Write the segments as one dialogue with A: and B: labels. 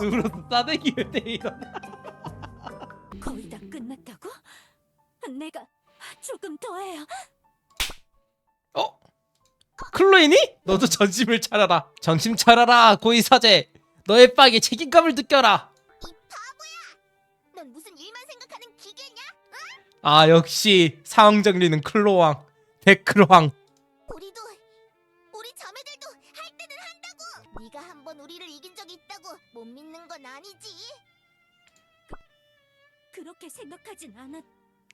A: 으로 싸대기 왜 때리나?
B: 거의 다 끝났다고? 내가 조금 더 해요.
A: 어? 클로이니? 너도 정신을 차려라. 정신 차려라 고의사제. 너의 빵에 책임감을 느껴라.
B: 이 바보야! 넌 무슨 일만 생각하는 기계냐?
A: 아 역시 상황 정리는 클로왕 데크로왕.
B: 우리 자매들도 할 때는 한다고. 네가 한번 우리를 이긴 적이 있다고 못 믿는 건 아니지? 그렇게 생각하진 않았.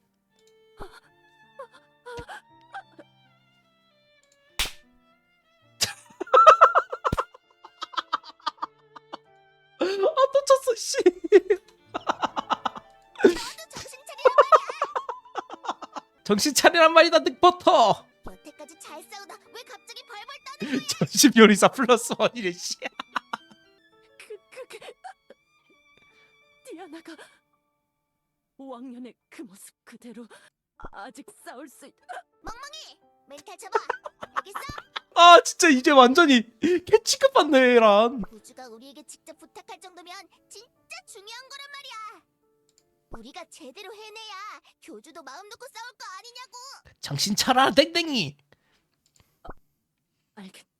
A: 아 놓쳤어 씨.
B: 정신 차리란 말이야.
A: 정신 차리란 말이다 늑버터.
B: 여태까지 잘 싸우다 왜 갑자기 벌벌 떠는 거야?
A: 전심 요리사 플러스 원이래 씨.
B: 그게 디아나가 5학년의 그 모습 그대로 아직 싸울 수 있... 멍멍이! 멘탈 잡아! 알겠어?
A: 아 진짜 이제 완전히 개 취급받네 얘란.
B: 우주가 우리에게 직접 부탁할 정도면 진짜 중요한 거란 말이야. 우리가 제대로 해내야 교주도 마음 놓고 싸울 거 아니냐고.
A: 정신 차려라 땡땡이.
B: 알겠.